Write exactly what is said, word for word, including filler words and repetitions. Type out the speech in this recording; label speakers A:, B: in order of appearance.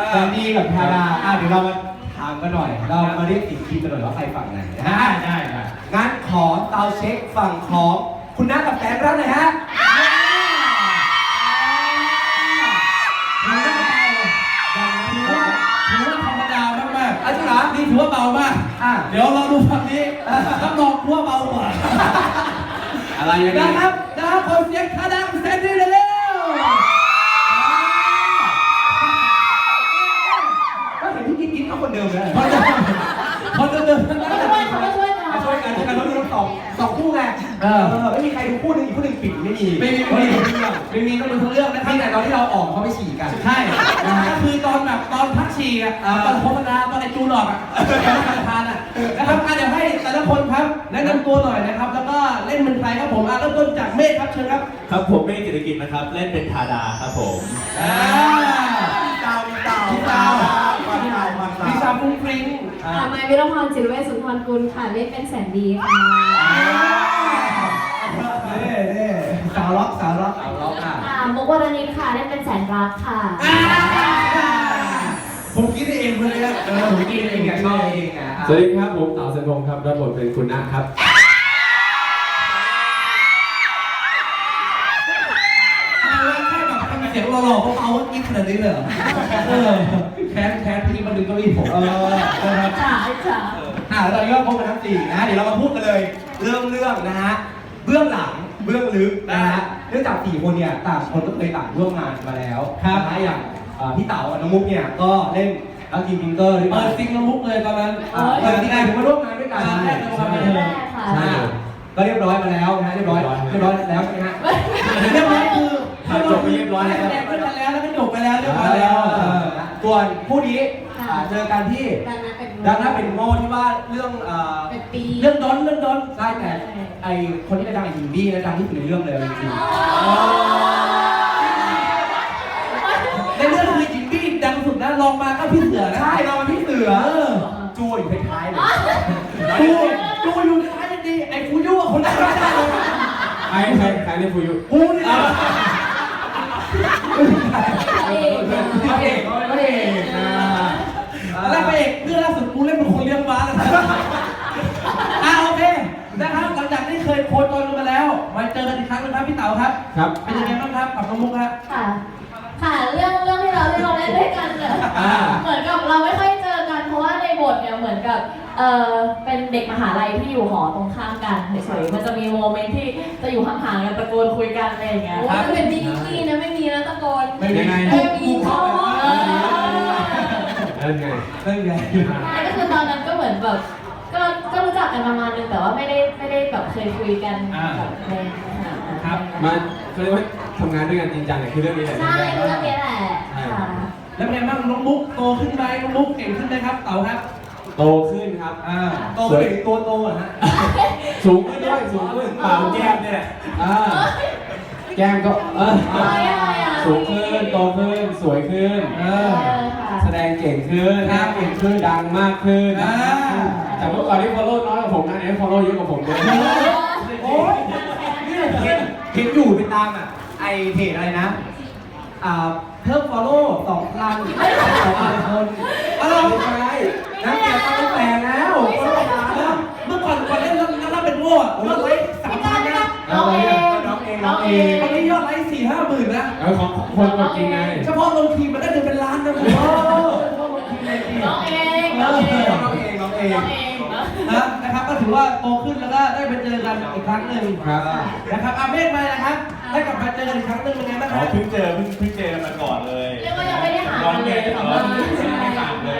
A: แซนดี้กับทาดาอ่ะเดี๋ยวเรามาถามกันหน่อยเรามาเรียกติดทีมกันหน่อยว่าใครฝั่งไหนนะฮะ
B: ได้ได้
A: งั้นขอเตาเช็คฝั่งของคุณน้ากับแฟนรับเลยฮะถือว่าเบา
B: ถือว่าถือว่าธรรมดามากๆ
A: อ่ะจริงเหรอ
B: นี่ถือว่าเบามาก
A: อ่ะ
B: เดี๋ยวเราดูฝั่งนี้รับรองว่าเบากว่า
A: อะไรอย่าง
B: นะ
A: นี้
B: ครับนะครับคนเสียงท่าดังเซนดี้เร็ว
A: ก็เห็นพี่กิ๊กกิ๊กเขาคนเดิมเลย
B: ๆคนเดินคนเดินทั้งนั้น
C: ช่วยเขาช่วยกัน
A: ช่วยกันช่วยกันแล้วมีทั้งสองสองคู่ไงเออไม่มีใครดูคู่หนึงอีกคู่หนึงปิดไม่มี
B: ไม่มีไม่มีไม่มีต้องดูทั้งเรื่องนะครั
A: มี
B: บ
A: แต่ตอนที่เราออกเขาไปฉี่กัน
B: ใช่ก็คือตอนแบบตอนพักฉี่อ่ะตอนโฆษณาตอนไอจูนออกอ่ะประธานอ่ะนะครับเดี๋ยวให้แต่ละคนครับแนะนำตัวหน่อยนะครับแล้วก็เล่นเป็นใครครับผมอ่ะเริ่มต้นจากเมฆครับเชิญครับ
D: ครับผมเมฆกิจกิจนะครับเล่นเป็นทาดาครับผม
B: อ่า
A: ดาวมีดาว
B: พี่ดาว
A: มันดาวมันดาว
B: พี่สาวฟุ้งฟริ้ง
C: ค่ะไมค์วิรพรจิรเวชสุนทรกุลค่ะเล่นเป็นแสนดีค่ะ
A: เน่เน่สาวล็อกสาวล็อกสาวล็อกอ่ะ
C: ค่ะมุกวรณิตค่ะเล่นเป็นแสนรักค่ะ
B: ผมคิดเองเลยนะ
A: เออผมกินเองอ่ะชอบเองอ่ะ
E: สวัสดีครับผมเต๋าเซนพงศ์ครับรับบทเป็นคุณนะครับ
B: แค่แบบทำเสียงหล่อๆเบาๆกิ๊กขนาดนี้เลยเหรอเออแค้นแค้นพี่มาดึงเก้าอี้ผม
A: เออนะครับ
C: จ๋าจ๋า
A: อ่ะแล้วตอนนี้ก็พบกันทั้งสี่นะฮะเดี๋ยวเรามาพูดกันเลยเรื่องเรื่องนะฮะเบื้องหลังเบื้องลึกนะฮะเนื่องจากสี่คนเนี่ยต่างคนก็เคยต่างร่วมงานมาแล้วนะฮะอย่างเอ่อพี่เต๋ากับน้องมุกเนี่ยก็เล่นรักทีมพิงเกอร์ด้วย
B: เปิ
A: กัน
B: ดซิงละมุกเลยตอนนั้น
A: อ่าเปิดที่ไหนถึงมาร่วมงานด้วยกัน
B: ใช่
A: ใช่
B: ใช่
C: แรกค่ะ
A: ใช่ก็เรียบร้อยมาแล้วนะฮะเรียบร้อยเรียบร้อยแล้วใช่ไหมฮะ
B: เรียบร้อยคือ
E: ถ่ายจบไปเรียบร้อยแล้ว
B: แสดงด้วยกันแล้วแล้วก็จบไปแล้วเรียบร้อยแล้ว
A: เออส่วนคู่นี้อ่าเจอกันที่
C: ดังนั้นเป็น
A: ดังนั้นเป็นโง่ที่ว่าเรื่องเอ่อ
C: เป็นปี
B: เรื่องดอนเรื่องดอน
A: ใช่แต่ไอคนที่ดังไอฮินดี้นะดังที่สุดในเรื่องเลยจริง
B: ในเรื่องคือจิมบี้ดังสุดนะลองมาก็พี่เสือ
A: ๆ
B: นะ
A: ใช่เราเป็นพี่เสือ
B: เออ
A: จูอยู่ท้ายๆเลย
B: ดูดูอยู่ในท้ายยังดีไอ้ฟูยุอ่ะคนนั้นไม่ได้เลย
E: ใครใครใครเล่นฟูยุ
B: กูนี่แหละ
C: เอง
A: พระเอกพระเอกนะ
B: แล้วพระเอกเรื่องล่าสุดกูเล่นเป็นคนเลี้ยงม้าแล้วอ่าโอเคนะครับหลังจากที่เคยโคจรกันมาแล้วมาเจอกันอีกครั้งนึงครับพี่เต๋าครับ
E: ครับ
B: เป็นยังไงบ้างครับกับน้องมุกครับ
C: ค่ะ ค่ะเรื่องเรื่องที่เราที่เราเล่นด้วยกันเนี่ย
B: อ่า
C: เหมือนกับเราไม่ค่อยเจอกันเพราะว่าในบทเนี่ยเหมือนกับเออเป็นเด็กมหาลัยที่อยู่หอตรงข้ามกันเฉยๆมันจะมีโมเมนต์ที่จะอยู่ห่างๆกันตะโกนคุยกันอะไรอย่างเงี้ยว่าเป็นพี่นิกกี้นะไม่มีนะตะโกน
B: ไม่มี
C: ไม่มีเขาเออ
E: เล่นไง
A: เรื่องไง
C: ใช่ก็คือตอนนั้นก็เหมือนแบบก็ก็รู้จักกันประมาณนึงแต่ว่าไม่ได้ไม่ได้แบบเคยคุยกันแบบในขนาดนั้น
B: ครับ
E: มาเขาเรียกว่าทำงานด้วยกันจริงจังเนี่ยคือเรื่องนี้แหละ
C: ใช่เรื่องนี้แหละค่ะ
B: แล้วเป็นไงบ้างน้องมุกโตขึ้นไหมน้องมุกเก่งขึ้นไหมครับเต๋าครับ
E: โตขึ้นครับ
B: อ่า
A: โตไปถึงตัวโตอ่ะฮะ
E: สูงขึ้นด้วยสูงขึ้นปากแก้มเนี่ยอ่าแก้มก็เออ
C: อะไรอะไรอ่ะ
E: สูงขึ้นโตขึ้นสวยขึ้น
B: เอ
C: เอ
B: อ
C: อค่ะ
E: แสดงเก่งขึ้น
B: ครับ
E: เก่งขึ้นดังมากขึ้น
B: อ่า
E: จากเมื่อก่อนที่ follow น้อยกว่าผมนะเนี่ย follow เยอะกว่าผมเลย
A: โอ้ยเนี่ยเห็นเห็นอยู่ไปตามอ่ะไอเพจอะไรนะอ่าเพิ่ม follow สองพันสองพันคนอะไรใช่นักเกียรติตั้งแต่แล้ว
B: เมื่อก่อนก่อนเล่นแล้วแล้วเป็นโง่อะยอดไลค์สามพันนะ
C: น้องเอง
A: น้องเองน้องเอง
B: ตอนนี้ยอดไลค์สี่ห้าหมื่นนะ
E: เออของคนกดจริงไง
B: เฉพาะลงทีมมันได้เงินเป็นล้านนะผม
A: โอ้
C: น้องเองน้องเอง
A: น้องเองน้องเอง
C: น้องเองนะ
B: นะนะครับก็ถือว่าโตขึ้นแล้วก็ได้ไปเจอกันอีกครั้งหนึ่ง
E: ครับ
B: นะครับอาเมฆมานะครับได้กลับมาเจอกันอีกครั้งหนึ่งเป็นไงบ้างค
D: อ๋อ
B: รับ
D: เพิ่งเจอเพิ่งเพิ่งเจอกันมาก่อนเลย
C: เรียกว่ายังไม่ได้หา
D: ร้อน
C: กัน
D: แก
C: เลย
D: ร้
C: ค่ะ
D: อนไม่ได้ห่างเลย